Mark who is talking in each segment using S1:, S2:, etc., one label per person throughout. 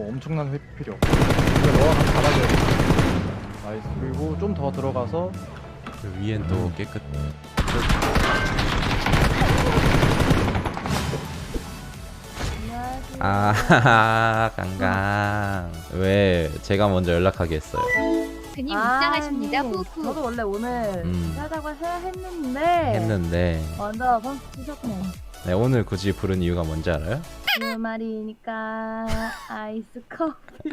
S1: 엄청난 회피 필요. 이거 너가 같이 잡아줘야 돼. 나이스. 그리고 좀 더 들어가서
S2: 그 위엔 또 깨끗. 아 깡깡. 왜 제가 먼저 연락하게 했어요?
S3: 그님 입장하십니다.
S4: 아니,
S3: 후후.
S4: 저도 원래 오늘 하자고 해야 했는데 먼저 번 치셨네.
S2: 네, 오늘 굳이 부른 이유가 뭔지 알아요?
S4: 그 말이니까 아이스 커피.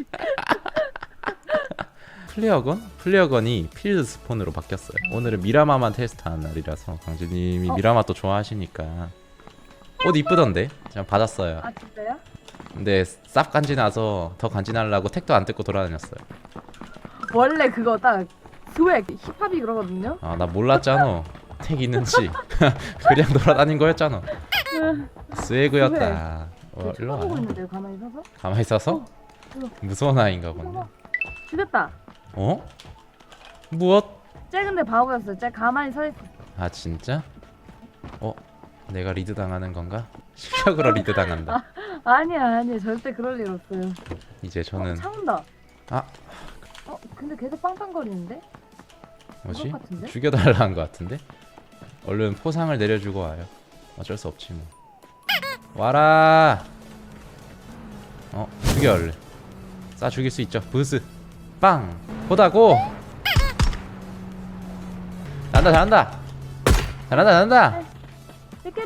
S2: 플레어건이 필드 스폰으로 바뀌었어요. 오늘은 미라마만 테스트하는 날이라서 강진님이 미라마 또 좋아하시니까 옷 이쁘던데? 제가 받았어요.
S4: 아 진짜요?
S2: 근데 쌉 간지나서 더 간지나려고 택도 안 뜯고 돌아다녔어요.
S4: 원래 그거 딱 스웩 힙합이 그러거든요.
S2: 아 나 몰랐잖아. 택 있는지. 그냥 돌아다닌 거였잖아. 스웨그였다. 일로
S4: 쳐다보고
S2: 와.
S4: 있는데요, 가만히 서서.
S2: 가만히 있어서? 무서운 아이인가 보네.
S4: 죽였다.
S2: 어? 무엇?
S4: 쟤 근데 바보였어요. 쟤 가만히 서 있어.
S2: 아 진짜? 내가 리드 당하는 건가? 실력으로 리드 당한다.
S4: 아니야 절대 그럴 일 없어요.
S2: 이제 저는
S4: 차 온다.
S2: 아.
S4: 근데 계속 빵빵거리는데?
S2: 뭐지?
S4: 그것 같은데?
S2: 죽여달라는 것 같은데? 얼른 포상을 내려주고 와요. 어쩔 수 없지 뭐. 와라. 죽여 얼른. 쏴 죽일 수 있죠. 부스. 빵. 보다고. 잘한다.
S4: 비켜.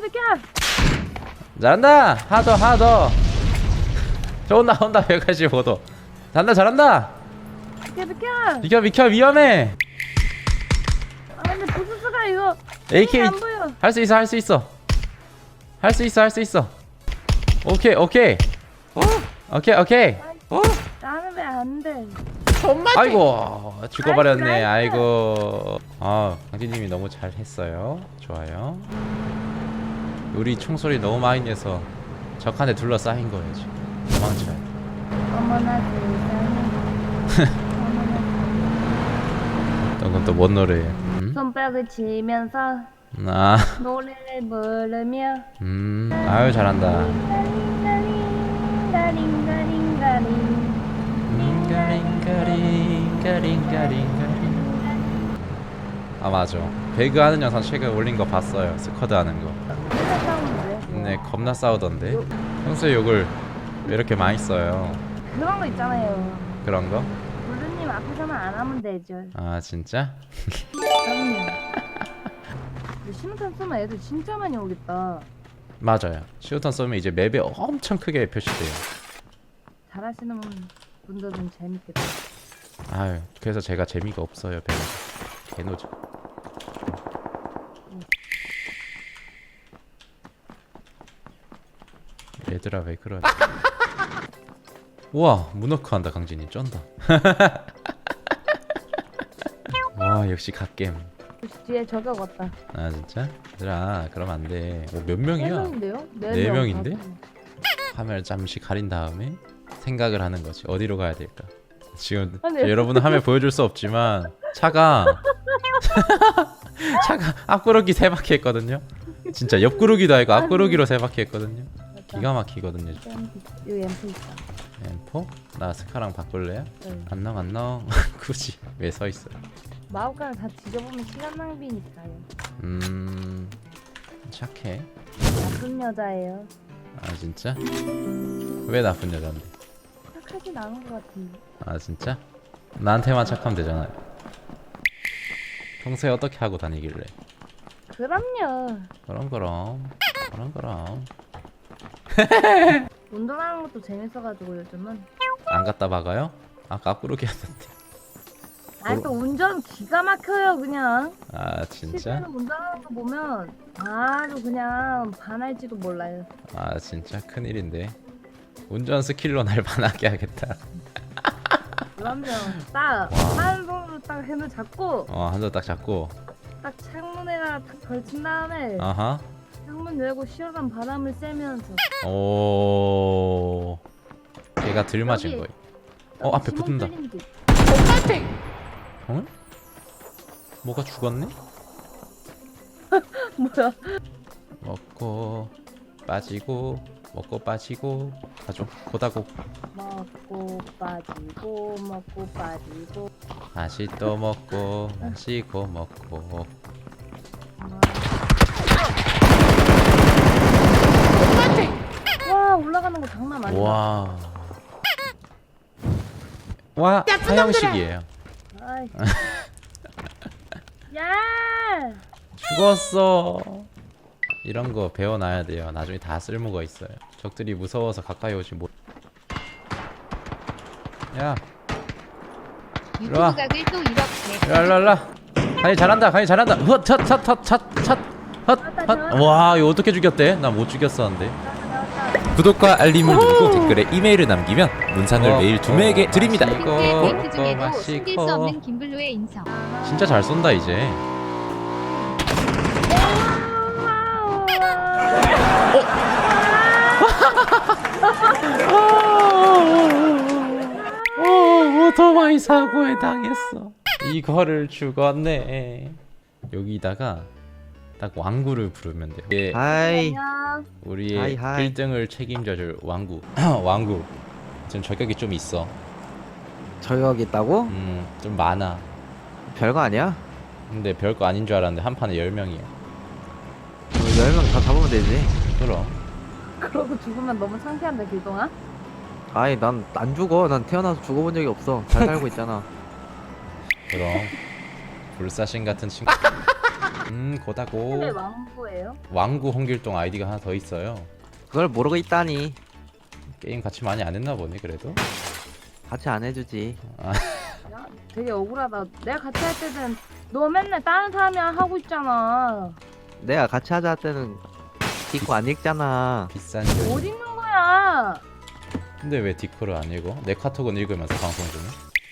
S2: 잘한다. 하더. 저 온다 185도. 잘한다.
S4: 비켜.
S2: 비켜 위험해.
S4: 아 근데 부스스가 이거
S2: AK
S4: 안 보여.
S2: 할 수 있어. 오케이.
S4: 나는 왜 안 돼?
S2: 아이고 죽어버렸네. 아이고. 강진님이 너무 잘했어요. 좋아요. 우리 총소리 너무 많이 내서 적한테 둘러싸인 거야지. 도망쳐야 돼.
S4: 어머나 세상에.
S2: 그건 또 뭔 노래예요?
S4: 손뼉을 치면서 노래를 부르며
S2: 아유 잘한다. 아 맞아. 배그 하는 영상 최근에 올린 거 봤어요. 스쿼드 하는 거. 네 겁나 싸우던데. 평소에 욕을 왜 이렇게 많이 써요?
S4: 그런 거 있잖아요.
S2: 그런 거?
S4: 블루님 앞에서만 안 하면 되죠.
S2: 아 진짜?
S4: 그럼요. 근데 신호탄 쏘면 애들 진짜 많이 오겠다.
S2: 맞아요. 시우탄 쏘면 이제 맵에 엄청 크게 표시돼요.
S4: 잘하시는 분들은 재밌겠다.
S2: 아유 그래서 제가 재미가 없어요. 배가 개노죠. 얘들아 왜 그러지? 우와 문어크 한다. 강진이 쩐다. 와 역시 갓겜.
S4: 뒤에 저격 왔다.
S2: 아 진짜? 얘들아 그러면 안돼. 몇 명이야?
S4: 4명인데요?
S2: 네 명인데? 화면을 잠시 가린 다음에 생각을 하는 거지. 어디로 가야 될까? 지금 여러분은 화면 보여줄 수 없지만 차가 앞구르기 3바퀴 했거든요. 진짜 옆구르기도 아니고 앞구르기로 3바퀴 했거든요. 기가 막히거든요.
S4: 여기 앰프 있다.
S2: 엠포? 나 스카랑 바꿀래요?
S4: 네.
S2: 안녕 굳이 왜 서있어요?
S4: 마법관을 다 뒤져보면 시간 낭비니까요.
S2: 착해.
S4: 나쁜 여자예요.
S2: 아 진짜? 왜 나쁜 여잔데?
S4: 착하진 않은 것 같은데.
S2: 아 진짜? 나한테만 착하면 되잖아요. 평소에 어떻게 하고 다니길래?
S4: 그럼요.
S2: 그럼
S4: 운동하는 것도 재밌어가지고 요즘은.
S2: 안 갖다 박아요? 아까 앞구르기 했는데.
S4: 아니 또 운전 기가 막혀요 그냥.
S2: 아 진짜?
S4: 실제로 운전하는 거 보면 아주 그냥 반할지도 몰라요.
S2: 아 진짜 큰일인데. 운전 스킬로 날 반하게 하겠다.
S4: 그럼요. 딱 한 손으로 딱 핸들 잡고
S2: 한 손 딱 잡고.
S4: 딱 창문에다 딱 걸친 다음에
S2: 아하.
S4: 창문 열고 시원한 바람을 쐬면서.
S2: 오. 걔가 들 맞은 거야. 앞에
S4: 지문
S2: 붙는다.
S4: 뚫린 듯.
S2: 어? 뭐가 죽었네?
S4: 뭐야?
S2: 먹고 빠지고 먹고 빠지고 가죠. 고다고.
S4: 먹고 빠지고 먹고 빠지고.
S2: 다시 또 먹고 마시고 먹고.
S4: 와 올라가는 거 장난 아니다.
S2: 와. 와 하영식이에요.
S4: 아이. 야.
S2: 죽었어. 이런 거 배워놔야 돼요. 나중에 다 쓸모가 있어요. 적들이 무서워서 가까이 오지 못. 야,
S3: 유튜브
S2: 와.
S3: 각을 또 이렇게.
S2: 랄랄라. 강이 잘한다. 강이 잘한다. 헛. 와, 이거 어떻게 죽였대? 나 못 죽였었는데.
S5: 구독과 알림을 누르고 댓글에 이메일을 남기면 문상을 매일 2명에게 드립니다.
S2: 이거
S3: 데이트 중에도
S2: 마시고.
S3: 숨길 수 없는 김블루의 인성.
S2: 진짜 잘 쏜다 이제. 오토바이 사고에 당했어. 이거를 죽었네. 여기다가 딱 왕구를 부르면 돼요. 이게
S6: 하이
S4: 안녕.
S2: 우리의
S6: 하이.
S2: 1등을 책임져줄 왕구. 왕구. 지금 저격이 좀 있어.
S6: 저격 있다고?
S2: 좀 많아.
S6: 별거 아니야?
S2: 근데 별거 아닌 줄 알았는데 한 판에 10명이야.
S6: 10명 다 잡으면 되지.
S2: 그럼.
S4: 그러고 죽으면 너무 창피한데 길동아?
S6: 아이 난 안 죽어. 난 태어나서 죽어본 적이 없어. 잘 살고 있잖아.
S2: 그럼. 불사신 같은 친구. 고다고.
S4: 왜 왕부예요?
S2: 왕구 홍길동 아이디가 하나 더 있어요.
S6: 그걸 모르고 있다니.
S2: 게임 같이 많이 안 했나 보네 그래도.
S6: 같이 안 해주지.
S4: 야, 되게 억울하다. 내가 같이 할 때는 너 맨날 다른 사람이랑 하고 있잖아.
S6: 내가 같이 하자 할 때는 디코 안 읽잖아.
S2: 비싼
S4: 어디
S2: 거.
S4: 있는 거야?
S2: 근데 왜 디코를 안 읽어? 내 카톡은 읽으면서 방송 중에.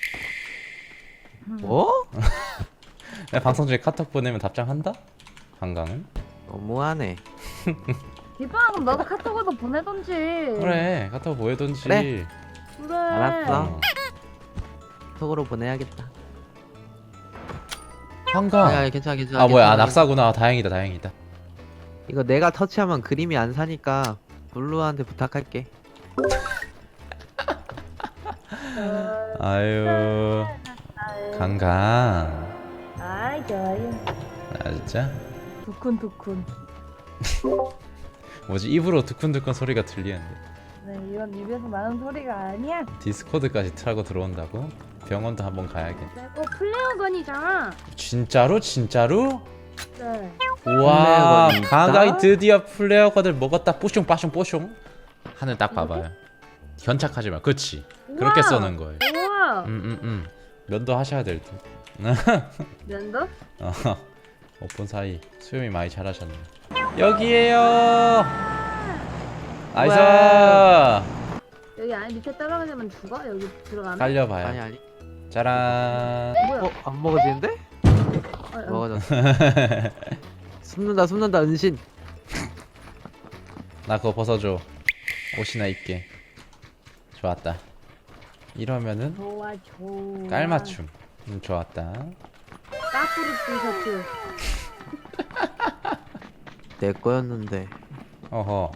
S6: 뭐?
S2: 내가 방송 중에 카톡 보내면 답장한다? 한강은?
S6: 너무하네.
S4: 뒷방 그럼 너도 카톡으로 보내던지.
S2: 그래 카톡 보내던지.
S6: 그래.
S4: 그래.
S6: 알았어.
S2: 어.
S6: 톡으로 보내야겠다.
S2: 한강.
S6: 아니, 괜찮아 괜찮아.
S2: 아 뭐야
S6: 괜찮아.
S2: 낙사구나. 다행이다 다행이다.
S6: 이거 내가 터치하면 그림이 안 사니까 블루한테 부탁할게.
S2: 아유 강강.
S4: 아이 좋아요.
S2: 아 진짜?
S4: 두쿤두쿤.
S2: 뭐지 입으로 두근두근 소리가 들리는데
S4: 네 이건 입에서 나는 소리가 아니야.
S2: 디스코드까지 타고 들어온다고? 병원도 한번 가야겠네.
S4: 플레어건이잖아.
S2: 진짜로? 진짜로?
S4: 네.
S2: 우와
S6: 플레어건이 있다?
S2: 강강이 드디어 플레어건을 먹었다. 뽀숑 빠숑 뽀숑. 하늘 딱 봐봐요. 견착하지 마. 그치 그렇게
S4: 우와.
S2: 써는 거예요.
S4: 우와.
S2: 면도 하셔야 될 듯.
S4: 면도?
S2: 오픈 사이 수염이 많이 자라셨네. 여기에요. 나이스.
S4: 여기 안에 밑에 떨어지면 죽어? 여기 들어가면?
S2: 달려봐요.
S6: 아니.
S2: 짜란.
S4: 뭐야?
S6: 안 먹어지는데? 먹어졌어. 숨는다 은신.
S2: 나 그거 벗어줘. 옷이나 입게. 좋았다. 이러면은
S4: 좋아 좋아.
S2: 깔맞춤. 좋았다.
S4: 까프리 티셔츠.
S6: 내 거였는데.
S2: 어허.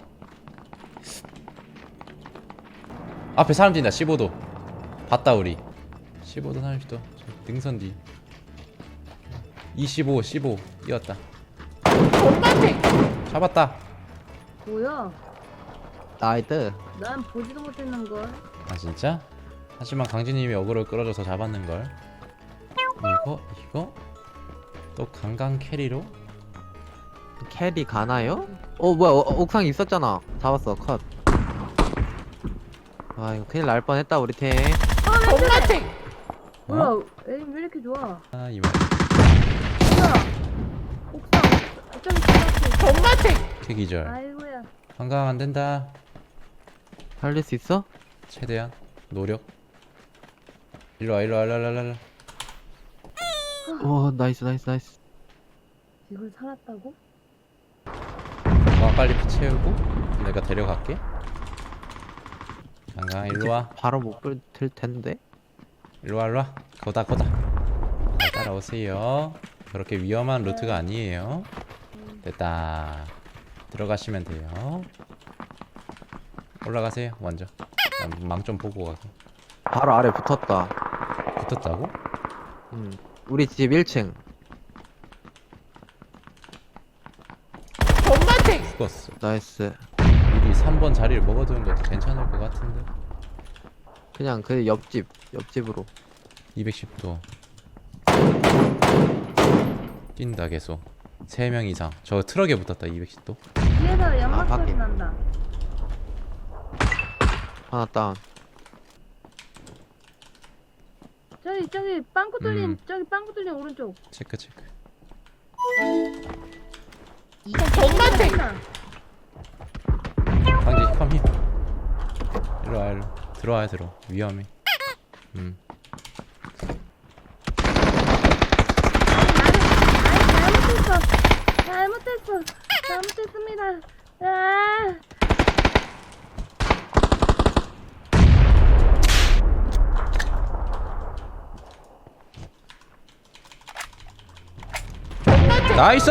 S2: 앞에 사람 뛴다. 15도. 봤다 우리. 15도 30도. 능선 뒤. 25 15 뛰었다. 잡았다.
S4: 뭐야?
S6: 나이트.
S4: 난 보지도 못했는걸.
S2: 아 진짜? 하지만 강진님이 어그로 끌어줘서 잡았는걸. 이거 또 강강 캐리로?
S6: 캐리 가나요? 뭐야 옥상에 있었잖아. 잡았어 컷. 아 이거 큰일 날 뻔했다 우리 팀.
S4: 뭐야? 에임 왜 이렇게 좋아?
S2: 아 이말.
S4: 뭐야? 옥상. 어쩜
S2: 캐기절.
S4: 아이고야.
S2: 강강 안 된다.
S6: 살릴 수 있어?
S2: 최대한 노력. 일로 와.
S6: 오 나이스.
S4: 이걸 살았다고?
S2: 와 빨리 피 채우고 내가 데려갈게. 강강 일로 와.
S6: 바로 못 볼 텐데.
S2: 일로 와. 거다. 잘 따라오세요. 그렇게 위험한 루트가 아니에요. 됐다. 들어가시면 돼요. 올라가세요 먼저. 망 좀 보고 가고.
S6: 바로 아래 붙었다.
S2: 붙었다고?
S6: 우리 집 1층.
S2: 죽었어.
S6: 나이스.
S2: 미리 3번 자리를 먹어두는 것도 괜찮을 것 같은데.
S6: 그냥 그 옆집으로.
S2: 210도 뛴다 계속. 3명 이상. 저 트럭에 붙었다 210도.
S4: 뒤에서 연막 소리
S6: 확인.
S4: 난다.
S6: 하나 다운.
S4: 저기 빵꾸 뚫린
S2: 음.
S4: 저기 빵꾸 뚫린 오른쪽.
S2: 체크 체크.
S4: 엄마한테.
S2: 강지 힙함 힙. 일로와 일로. 들어와야 들어. 위험해.
S4: 잘못했습니다. 아.
S2: 나이스!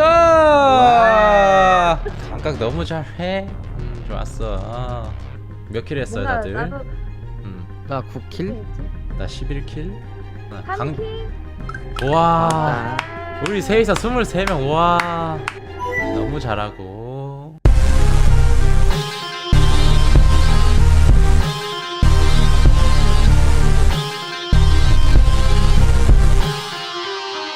S2: 감각 너무 잘해. 좋았어. 몇 킬 했어요
S4: 뭔가
S2: 다들?
S4: 나도
S6: 나 9킬?
S2: 나 11킬.
S4: 한 킬.
S2: 와. 우리 셋이서 23명. 와. 너무 잘하고.